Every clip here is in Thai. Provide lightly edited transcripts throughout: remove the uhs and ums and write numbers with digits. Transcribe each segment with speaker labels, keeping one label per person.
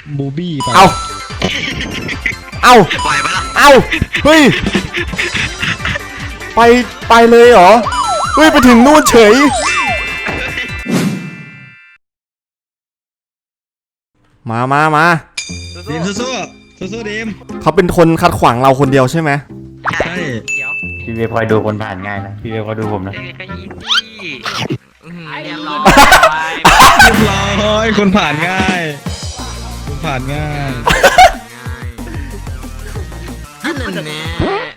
Speaker 1: บูบี้ไป
Speaker 2: เอา
Speaker 3: ปล่อยไปละ
Speaker 2: เอาเฮ้ยไปเลยเหรอเฮ้ยไปถึงนู่นเฉยมา
Speaker 1: ดีมสู้ดีม
Speaker 2: เขาเป็นคนคัดขวางเราคนเดียวใช่ไหม
Speaker 1: ใช่
Speaker 4: พี่เวคอยดูคนผ่านง่ายนะพี่เวคอยดูผมนะ
Speaker 3: ก็ยี้เรียบร้อย
Speaker 1: เรียบร้อยคนผ่านง่าย
Speaker 3: อันนั้นแน่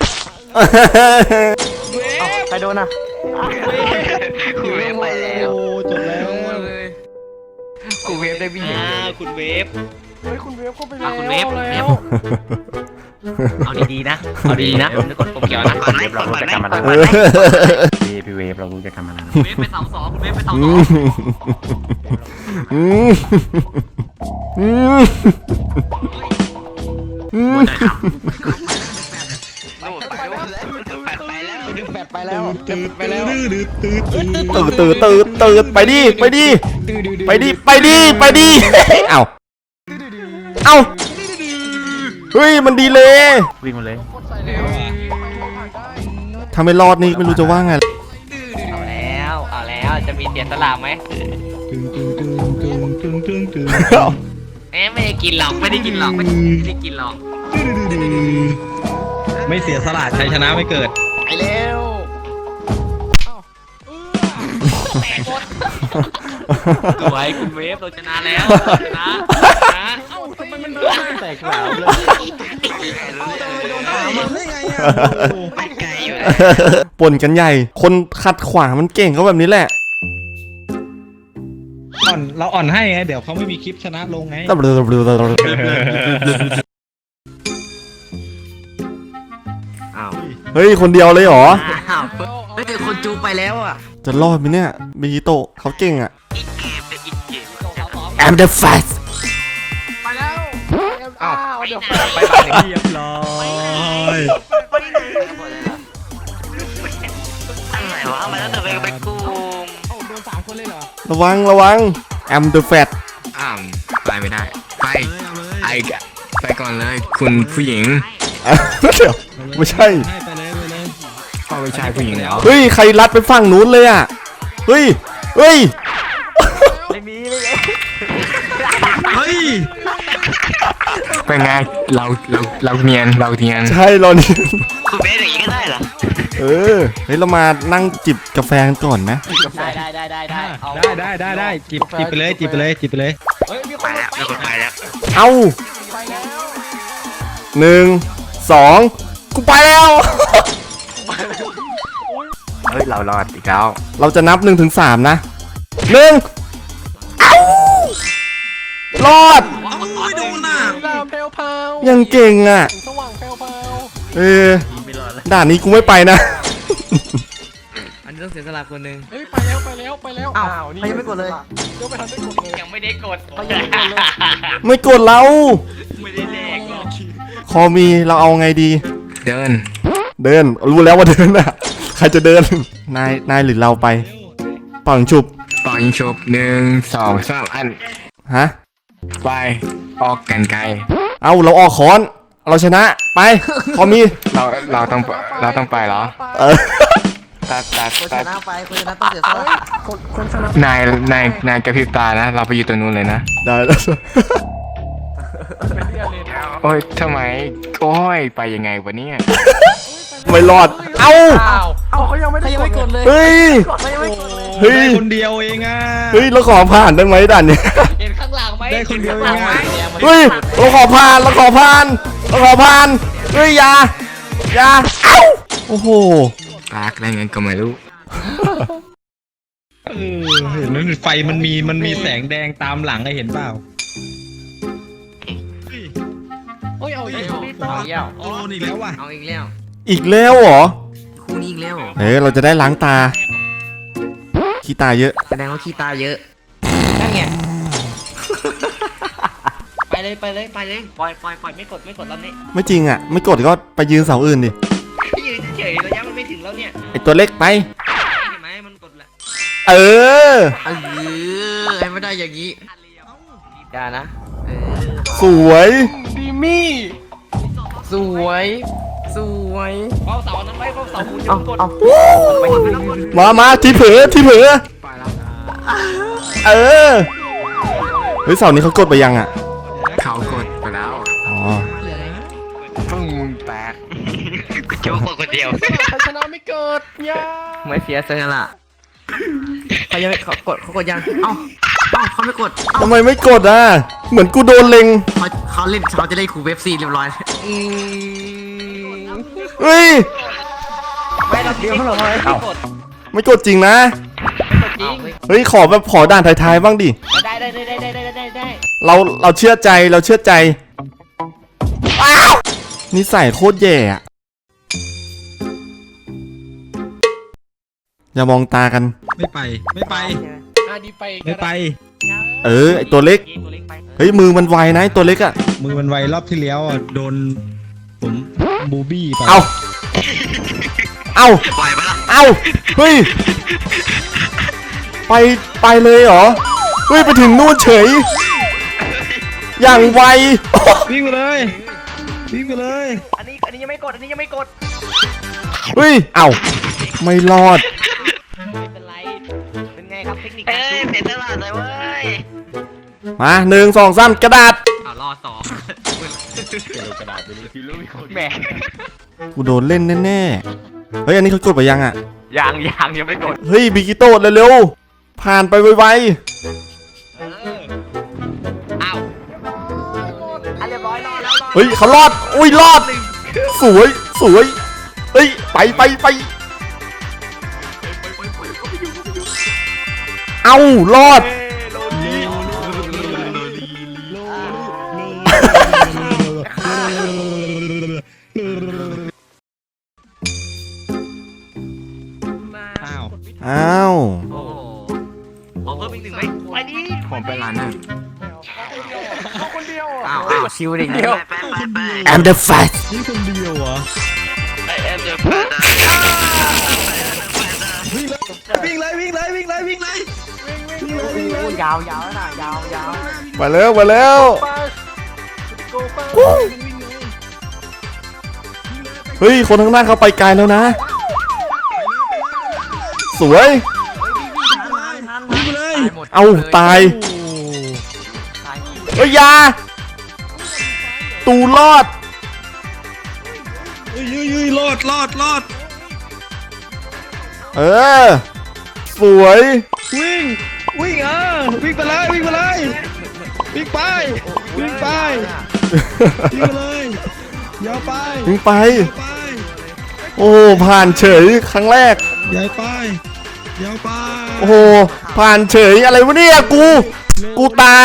Speaker 4: ใครโดนอ่ะ
Speaker 3: คุณเวฟไปแล้ว
Speaker 1: โอ้จบแล้ว
Speaker 3: คุณเวฟได้วิ่งคุณเวฟ
Speaker 5: คุณเวฟเข้าไปแล้ว
Speaker 3: คุณเวฟเอาดีๆนะนึกกดปุ่มเขียวนะก่อนไหม
Speaker 4: เรารู้จักกันมานานพี่เวฟเรารู้จักกันมานาน
Speaker 3: เวฟไป2-2คุณเวฟไป2-2
Speaker 5: ไปแล้ว
Speaker 1: ตื่นไปแล้ว
Speaker 2: ตื่นไปดิเอาเฮ้ยมันดีเลย
Speaker 4: วิ่งมาเลย
Speaker 2: ถ้าไม่รอดนี่ไม่รู้จะว่าไง
Speaker 3: เอาแล้วจะมีเสียสละไหมไม่ได้กินหรอกไม่ได้กินหรอก
Speaker 1: ไม่เสียสละชัยชนะไม่เกิด
Speaker 5: ไปแล้ว
Speaker 3: สวยคุณเวฟเราชนะแล้วชนะ
Speaker 5: ทำไมมันแตกหลาวเลย
Speaker 1: ได้ไงอ่ะ
Speaker 3: ไปไกลอยู่
Speaker 2: ป่นกันใหญ่คนขัดขวางมันเก่งก็แบบนี้แหละ
Speaker 1: เราอ่อนให้ไงเดี๋ยวเขาไม่มีคลิปชนะลงไง
Speaker 2: เฮ้ยคนเดียวเลยเหรอ
Speaker 3: เฮ้ยคนจูไปแล้วอ่ะ
Speaker 2: จะรอดไหมเนี่ยมิจิโตะเขาเก่งอ่ะ
Speaker 3: อีกเกม
Speaker 2: I'm the fast
Speaker 5: ไปแล้วเดี๋ยว
Speaker 1: ไปเรียบร้อย
Speaker 3: อะไรวะมาแล้วแต่ไปกู
Speaker 5: โดน3 คนเลยเหรอ
Speaker 2: ระวัง I'm the fat
Speaker 3: ไปไม่ได้ไปก่อนเลยคุณผู้หญิง
Speaker 2: เดี๋ยวไม่ใช่
Speaker 1: ไปเลย
Speaker 3: ก็ไม่ใช่ผู้หญิงแล้ว
Speaker 2: เฮ้ยใครรัดไปฝั่งนู้นเลยอ่ะเฮ้ย
Speaker 1: เฮ้ย
Speaker 3: เป็นไงเราเนียน
Speaker 2: ใช่เรานี่
Speaker 3: คุณเบสอย่างนี้ก็ได้เหรอ
Speaker 2: เฮ้ยเรามานั่งจิบกาแฟกันก่อนไหม
Speaker 1: ได้จิบไปเลย
Speaker 5: เฮ้ยมีค
Speaker 3: ไป
Speaker 5: น
Speaker 3: แล้วมีคนไปแล้ว
Speaker 2: เอ้า
Speaker 5: ไปแล้ว
Speaker 2: 1 2กูไปแล้ว
Speaker 4: เฮ้ยเรารอดอีกแล้ว
Speaker 2: เราจะนับ1 ถึง 3นะ1เอ้ารอด
Speaker 1: ไม่โดนอ่ะ
Speaker 5: ดาวเพลวเพลว
Speaker 2: ยังเก่งอ่ะ
Speaker 5: สว่างเพลวเพลว
Speaker 2: ด่านนี้กูไม่ไปนะ
Speaker 3: อันนี้ต้องเสียสละคนหนึ่ง
Speaker 5: เฮ้ยไปแล้วอ้าวนี่ยังไม่กดเลยเดี๋ยวไปทันได้กดเลย
Speaker 3: ยังไม่ได้กด
Speaker 2: ไม่กดเรา
Speaker 3: ไม่ได้แลกหรอก
Speaker 2: คอมีเราเอาไงดี
Speaker 3: เดิน
Speaker 2: รู้แล้วว่าเดินอ่ะ ใครจะเดิน นายหรือเราไปเป่ายิงฉุบ
Speaker 3: ปล่อยชบ1 2 3อัน
Speaker 2: ฮะ
Speaker 3: ไปออกกันไกล
Speaker 2: เอาเราออกค้อนเราชนะไปคอมี
Speaker 3: เราต้องไปเหรอ ตัด
Speaker 5: คนชนะต้องเสียสละคนชนะ
Speaker 3: นายกระพริบตานะ เราไปอยู่ตรงนู้นเลยนะ
Speaker 2: ได้แล้ว
Speaker 3: โอ้ยทำไมโอ้ยไปยังไงวะเนี่ย
Speaker 2: ไม่รอดเอ้า
Speaker 5: เขายังไม่กดเลย
Speaker 2: เฮ้ย เฮ้ย
Speaker 1: ได้คนเดียวเองอ่ะ
Speaker 2: เฮ้ยเราขอผ่านได้ไหมด่านเนี้ย
Speaker 5: เห็นข้างหลังไหม
Speaker 1: ได้คนเดียวเองอ่ะ
Speaker 2: เฮ้ยเราขอผ่านเฮ้ยอย่าเอ้าโอ้โห
Speaker 3: ปากอะไรเงี้ยก็ไม่รู้
Speaker 1: เห็นนั้นไฟมันมีแสงแดงตามหลังไงเห็นเปล่า
Speaker 5: เฮ้ยเอาอีก
Speaker 1: โอ้อีกแล้วว่ะ
Speaker 3: เอาอีกแล้ว
Speaker 2: อีกแล้วเหรอ
Speaker 3: คู่นี้อีกแล้ว
Speaker 2: เราจะได้ล้างตาขี้ตาเยอะ
Speaker 3: แสดงว่าขี้ตาเยอะนั่นไงไปเลยปล่อยไม่กดแล้วนี่
Speaker 2: ไม่จริงอ่ะไม่กดก็ไปยืนเสาอื่นดิ
Speaker 3: ยืนเฉยระยะมันไม่ถึงแล้วเนี่ย
Speaker 2: ไอตัวเล็กไป
Speaker 3: เห็นไหมมันกดแหละ
Speaker 2: เออ
Speaker 3: ให้ไม่ได้อย่างนี้อย่านะ
Speaker 2: สวย
Speaker 5: ดีมี่
Speaker 3: สวยสวย
Speaker 5: เฝ้าเสานั้นไว้เฝ้าเสาคุณจะ
Speaker 3: เอา
Speaker 5: กด
Speaker 3: เอา
Speaker 2: มาที่เผลอที่เผลอ
Speaker 3: ไปแล้ว
Speaker 2: เออเฮ้ยเสานี้เขากดไปยังอ่ะ
Speaker 3: เขากดไปแล้ว
Speaker 2: อ๋อ
Speaker 3: ปึ้งแตก
Speaker 1: กูโจ๊กคนเดียว
Speaker 5: ใครชนะไม่เกิดย่า
Speaker 3: ไม่เสียเซอร์ละเขายังไม่เขากดยังเอ้าเขาไม่กด
Speaker 2: ทำไมไม่กดอ่ะเหมือนกูโดนเล็ง
Speaker 3: เขาเล่นเขาจะเล่นคูเว็บซีเรียบร้อย
Speaker 2: เฮ้ย
Speaker 5: ไม่เราเดียวเหรอไม่กด
Speaker 2: ไม่กดจริงนะ
Speaker 5: จริง
Speaker 2: เฮ้ยขอแบบขอด่านท้ายๆบ้างดิ
Speaker 5: ได้
Speaker 2: เราเชื่อใจเราเชื่อใจอ้าวนิสัยโคตรแย่อะอย่ามองตากัน
Speaker 1: ไม่ไปไม่ไป
Speaker 5: ดีไป
Speaker 1: ไม่ไป
Speaker 2: ไอตัวเล็ก เฮ้ยมือมันไวนะไอ้ตัวเล็กอะ
Speaker 1: มือมันไวรอบที่แล้วอ่ะโดนผมบูบี้ไป
Speaker 2: เอาเอา
Speaker 3: ปล่อยไปละ
Speaker 2: เอาเฮ้ยไปเลยเหรอเฮ้ยไปถึงนู่นเฉย อย่างไว
Speaker 1: วิ่งไปเลยวิ่งไปเลย
Speaker 5: อันนี้ยังไม่กดอันนี้ยังไม่กด
Speaker 2: เฮ้ยเอาไม่รอด
Speaker 5: ไม่เป็นไรเป็นไงครับเทคนิค
Speaker 3: เอ้ยเสียตลาดเลยเว้ย
Speaker 2: มา1 2 3กระดาษ
Speaker 3: เอารอสองแหม
Speaker 2: กูโดนเล่นแน่ๆเฮ้ยอันนี้เขากดไปยังอะ
Speaker 3: ยังไม่กด
Speaker 2: เฮ้ยบิกิโต้เร็วๆผ่านไปไว
Speaker 3: อ้าว
Speaker 5: อันเรียบร้อยรอแล้ว
Speaker 2: ๆเฮ้ยเขารอดอุ้ยรอดสวยเฮ้ยไปเอ้ารอด
Speaker 1: อ้าว
Speaker 2: อ้าว
Speaker 3: โอ้ขอเพิ่มอีกหนึ่งไหม
Speaker 5: ไปดิ
Speaker 3: ผมเป็นร้านนั่ง
Speaker 5: เข้าคนเดียว
Speaker 3: อ้าวชิวดิเดียว
Speaker 2: I'm the fast
Speaker 1: นี่คนเดียวเหรอวิ่งเลยวิ่งเลยวิ่งเลยวิ่งเลย
Speaker 5: ยาวแล้วนะยาว
Speaker 2: มาแล้ว
Speaker 5: ไปโกไป
Speaker 2: เฮ้ยคนข้างหน้าเขาไปไกลแล้วนะ สวย
Speaker 1: วิ่งไปเลย
Speaker 2: เอาตายเฮ้ยอยาตูรอด
Speaker 1: ยืยรอด
Speaker 2: เออสวย
Speaker 1: วิ่งวิ่งวิ่งไปเลยวิ่งไปเลยวิ่งไปวิ่งไปวิ่งไปเลยยาวไป
Speaker 2: ถึงไป
Speaker 1: ไป
Speaker 2: โอ้ผ่านเฉยครั้งแรก
Speaker 1: ยาวไปยาวไป
Speaker 2: โอ้โหผ่านเฉยอะไรวะเนี่ยกูตาย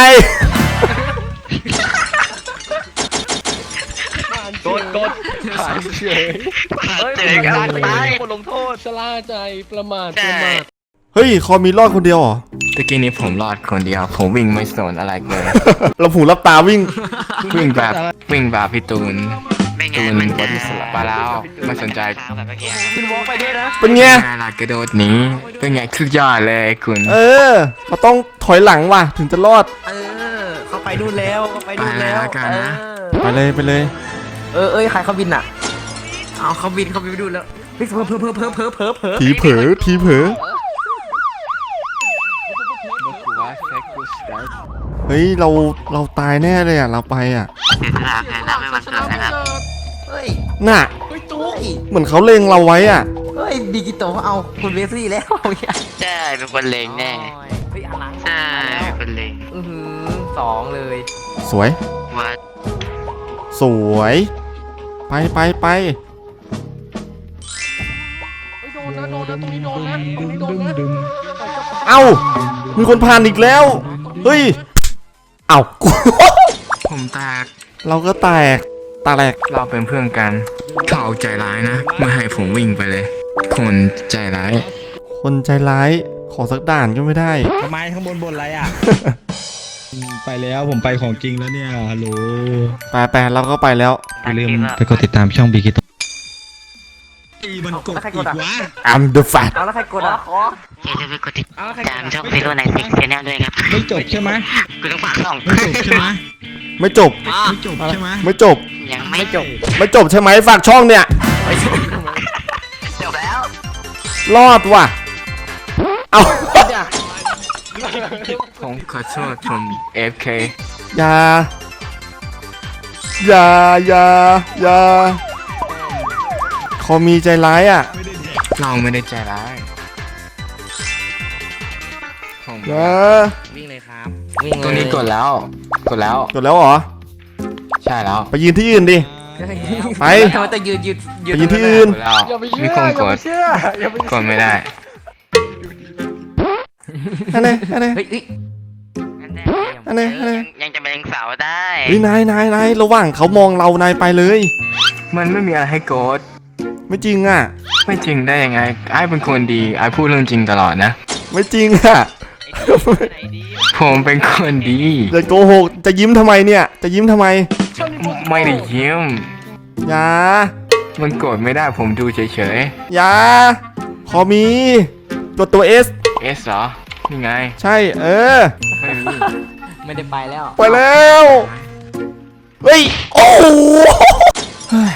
Speaker 5: กดผ่านเฉยคนลงโทษชะล่าใจประมาท
Speaker 2: เฮ้ยคอมีรอดคนเดียวเหรอ
Speaker 3: ตะกี้นี้ผมรอดคนเดียว ผมวิ่งไม่สนอะไรเลย
Speaker 2: เราหูรับตาวิ่ง
Speaker 3: วิ่งแบบพี่ตูนบอดี้สลับไปแล้วไม่สนใจ
Speaker 5: คุณวอล์กไปด้วยนะ
Speaker 2: เป็นไง
Speaker 3: ไงล่ะกระโดดหนีเป็นไงคือยอดเลยคุณ
Speaker 2: เออเราต้องถอยหลังว่ะถึงจะรอด
Speaker 3: เขาไปดูแล้วไปแล้วกันนะ
Speaker 2: ไปเลย
Speaker 3: ใครเขาบินอ่ะเอาเขาบินไปดูแล้วเพิ่ม
Speaker 2: ทีเผลอเฮ้ยเราตายแน่เลยอ่ะเราไปอ่ะ
Speaker 3: เฮ้ย
Speaker 2: น่ะ
Speaker 5: เฮ้ยตุ๊ก
Speaker 2: เหมือนเขาเล็งเราไว้อ่ะ
Speaker 3: เฮ้ยบิกิโตเอาคุณเวสลี่แล้ว
Speaker 6: ใช่เป็นคนเลงแน่
Speaker 3: เฮ้ยอันหลัง
Speaker 6: ใช่เป็นคนเลง
Speaker 3: สองเลย
Speaker 2: สวย
Speaker 6: ว่า
Speaker 2: สวยไป
Speaker 5: โดนนะตรงนี้โดนนะ
Speaker 2: เอ้ามีคนผ่านอีกแล้วเฮ้ยเอ้า กู
Speaker 3: ผมแตก
Speaker 2: เราก็แตก
Speaker 3: เราเป็นเพื่อนกันเขาใจร้ายนะไม่ให้ผมวิ่งไปเลย คนใจร้าย
Speaker 2: คนใจร้ายขอสักด่านก็ไม่ได้
Speaker 1: ทำไมข้างบนอะไรอ่ะ ไปแล้วผมไปของจริงแล้วเนี่ยฮัลโหล
Speaker 2: ไปเราก็ไปแล้ว
Speaker 1: อย่าลืมไปกดติดตามช่องบีกิโตมันกดอีกวะ
Speaker 2: I'm the fat
Speaker 3: เอาแล้วใครกดอ่ะ
Speaker 6: อย่าลืมไปกดติดตามช่องฟิโลไนซิกเซนแนลด้วยครับ
Speaker 1: ไม่จบใช่ไหม
Speaker 6: กูต้องฝากช่อง
Speaker 1: ไม่จบใช่ไหม
Speaker 2: ไม่จบ
Speaker 1: ไม่จบใช่ไหม
Speaker 2: ไม่จบ
Speaker 6: ยังไม่จบ
Speaker 2: ไม่จบใช่ไหมฝากช่องเนี่ย
Speaker 6: จบแล้ว
Speaker 2: รอดว่ะ เอา
Speaker 3: ผมขอโทษผม FK
Speaker 2: อย่า อย่า อย่า อย่าเขามีใจร้ายอ่ะ
Speaker 3: เราไม่ได้ใจร้ายผม
Speaker 2: อย่า
Speaker 5: วิ่งเลยครับ
Speaker 3: ตัวนี้กดแล้ว กดแล้ว
Speaker 2: จบแล้วเหรอ
Speaker 3: ใช่แล้ว
Speaker 2: ไปยืนที่อื่นดิ ไป
Speaker 5: ทำไมแต่ยืน
Speaker 2: ไปยืนที่อื่น
Speaker 3: กดแล้วมีคนกดกดไม่ได้
Speaker 2: อันไหนอันไหน
Speaker 5: เฮ้ย
Speaker 2: อันไหนอันไหน
Speaker 6: ยังจะเป็นสาวได้
Speaker 2: เฮ้ยนายระหว่างเขามองเรานายไปเลย
Speaker 3: มันไม่มีอะไรให้กด
Speaker 2: ไม่จริงอ่ะ
Speaker 3: ไม่จริงได้ยังไงไอ้เป็นคนดีไอ้พูดเรื่องจริงตลอดนะ
Speaker 2: ไม่จริงอ่ะ
Speaker 3: ผมเป็นคนดี
Speaker 2: อย่าโกหก จะยิ้มทำไมเนี่ย จะยิ้มทำไม
Speaker 3: ไม่ได้ยิ้ม
Speaker 2: อย่า
Speaker 3: มันกดไม่ได้ผมดูเฉย
Speaker 2: อย่า ขอมีตัวตัว S
Speaker 3: ๆ S เหรอ นี่ไง
Speaker 2: ใช่ เออ
Speaker 3: ไม่มี
Speaker 5: ไม่ได้ไปแล้ว
Speaker 2: ไปแล้ว เฮ้ย โอ้โหเฮ้ย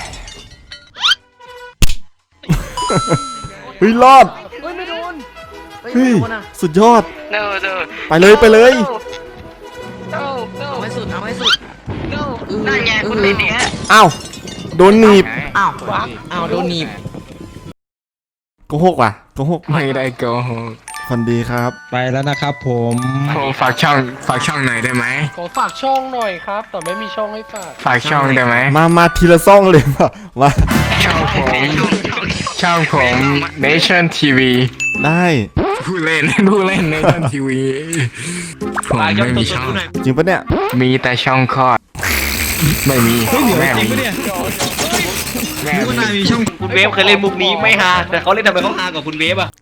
Speaker 2: เฮ้ย รอด
Speaker 5: เฮ้ยไม่โดน
Speaker 2: เฮ้ย สุดยอด
Speaker 6: โน่โน่
Speaker 2: ไปเลยไปเลย
Speaker 6: โน่โน่
Speaker 5: เอาให้สุดเอาให้สุด
Speaker 6: โน่นั่นไงคุณเป็นเนี่ย
Speaker 2: อ้าว โดนหนีบ
Speaker 5: อ้าวอ้าวโดนหนีบ
Speaker 2: โกหกว่ะโกหก
Speaker 3: ไม่ได้โกหก
Speaker 2: คนดีครับ
Speaker 1: ไปแล้วนะครับผม
Speaker 3: ผมฝากช่องหน่อยได้ไหม
Speaker 7: ขอฝากช่องหน่อยครับ แต่ไม่มีช่องให้ฝาก
Speaker 3: ฝากช่องได้ไหม
Speaker 2: มาทีละซ่องเลยมา
Speaker 3: ช่องผม Nation TV
Speaker 2: ได้
Speaker 3: ผู้เล่น Nation TV ผมไม่มีช่อง
Speaker 2: จริงปะเนี่ย
Speaker 3: มีแต่ช่องคลอด ไม่มี
Speaker 1: เฮ้ยเดี๋ยว
Speaker 3: แม่
Speaker 1: จริ
Speaker 3: มี
Speaker 1: งปะเนี่ย
Speaker 3: แม่
Speaker 1: นึกว่านาย
Speaker 3: มี
Speaker 1: มีช่อง
Speaker 7: คุณเวฟเคยเล่นมุกนี้ไม่ฮาแต่เขาเล่นทำไมเขาฮากว่าคุณเวฟอ่ะ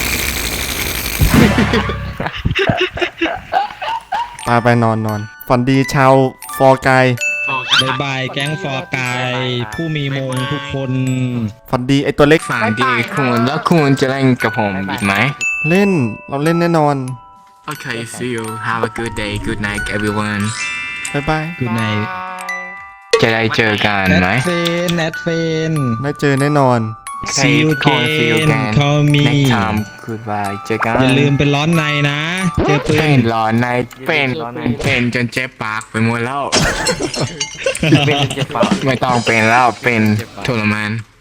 Speaker 2: ไปนอนฝันดีชาวฟอร์กาย
Speaker 1: บายบายแก๊งฟอร์กายผู้มีมงทุกคน
Speaker 2: ฝันดีไอตัวเล็ก
Speaker 3: ฝันดีคุณแล้วคุณจะเล่นกับผมอีกไหม
Speaker 2: เล่นเราเล่นแน่นอน
Speaker 3: Okay see you have a good day good night everyone
Speaker 2: บายบาย
Speaker 1: คือใน
Speaker 3: จะได้เจอกัน
Speaker 1: แอ
Speaker 3: ไหม
Speaker 1: ดเฟน
Speaker 2: ได้เจอแน่นอน
Speaker 1: See you again call me
Speaker 3: next time goodbye เจอกัน
Speaker 1: อย่าลืมเป็นร้อนในนะ เจอปื
Speaker 3: เป็น นร้อนในเป็นจนเจ็บปากไปหมดแล้ว ไม่ต้องเป็นแล้วเป็นทรมาน